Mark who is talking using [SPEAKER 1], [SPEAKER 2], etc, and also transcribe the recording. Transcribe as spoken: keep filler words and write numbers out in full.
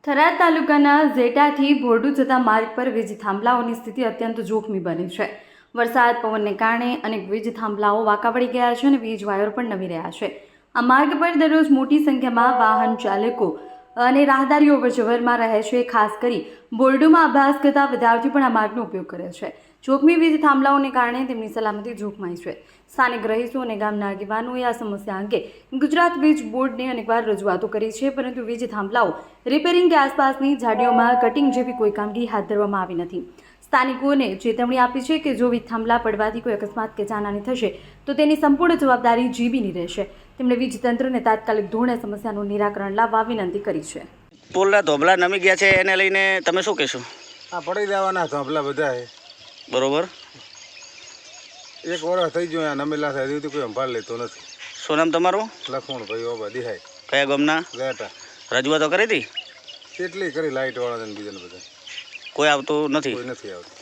[SPEAKER 1] થરાદ તાલુકાના ઝેટાથી ભોરડુ જતા માર્ગ પર વીજ થાંભલાઓની સ્થિતિ અત્યંત જોખમી બની છે. વરસાદ પવનને કારણે અનેક વીજ થાંભલાઓ વાંકા પડી ગયા છે અને વીજ વાયરો પણ નમી રહ્યા છે. આ માર્ગ પર દરરોજ મોટી સંખ્યામાં વાહન ચાલકો અને રાહદારીઓ અવરજવરમાં રહે છે. ખાસ કરી બોરડુમાં અભ્યાસ કરતા વિદ્યાર્થીઓ પણ આ માર્ગનો ઉપયોગ કરે છે. જોખમી વીજ થાંભલાઓને કારણે તેમની સલામતી જોખમાય છે. સ્થાનિક રહીશો અને ગામના આગેવાનોએ આ સમસ્યા અંગે ગુજરાત વીજ બોર્ડને અનેકવાર રજૂઆતો કરી છે, પરંતુ વીજ થાંભલાઓ રિપેરિંગ કે આસપાસની ઝાડીઓમાં કટિંગ જેવી કોઈ કામગીરી હાથ ધરવામાં આવી નથી. સ્થાનિકોને ચેતવણી આપી છે કે જો વીજ થાંભલા પડવાથી કોઈ અકસ્માત કે જાનહાની થશે તો તેની સંપૂર્ણ જવાબદારી જીબીની રહેશે. તેમણે વીજ તંત્રને તાત્કાલિક ધોરણે સમસ્યાનું નિરાકરણ લાવવા વિનંતી કરી છે.
[SPEAKER 2] પુલના ધોબલા નમી ગયા છે, એને લઈને તમે શું કહેશો?
[SPEAKER 3] આ પડી દેવાના ધોબલા બધા
[SPEAKER 2] બરોબર.
[SPEAKER 3] એક વર્ષ થઈ ગયો નમેલા થાય હજી કોઈ સંભાળ લેતો નથી.
[SPEAKER 2] શું નામ તમારું?
[SPEAKER 3] લખમણ ભાઈ ઓબા દિહાય.
[SPEAKER 2] કયા ગામના?
[SPEAKER 3] ગેટા.
[SPEAKER 2] રજૂઆતો કરી હતી?
[SPEAKER 3] કેટલી કરી લાઇટ વાળા બીજાને બધા
[SPEAKER 2] કોઈ આવતું નથી.
[SPEAKER 3] કોઈ નથી આવતું.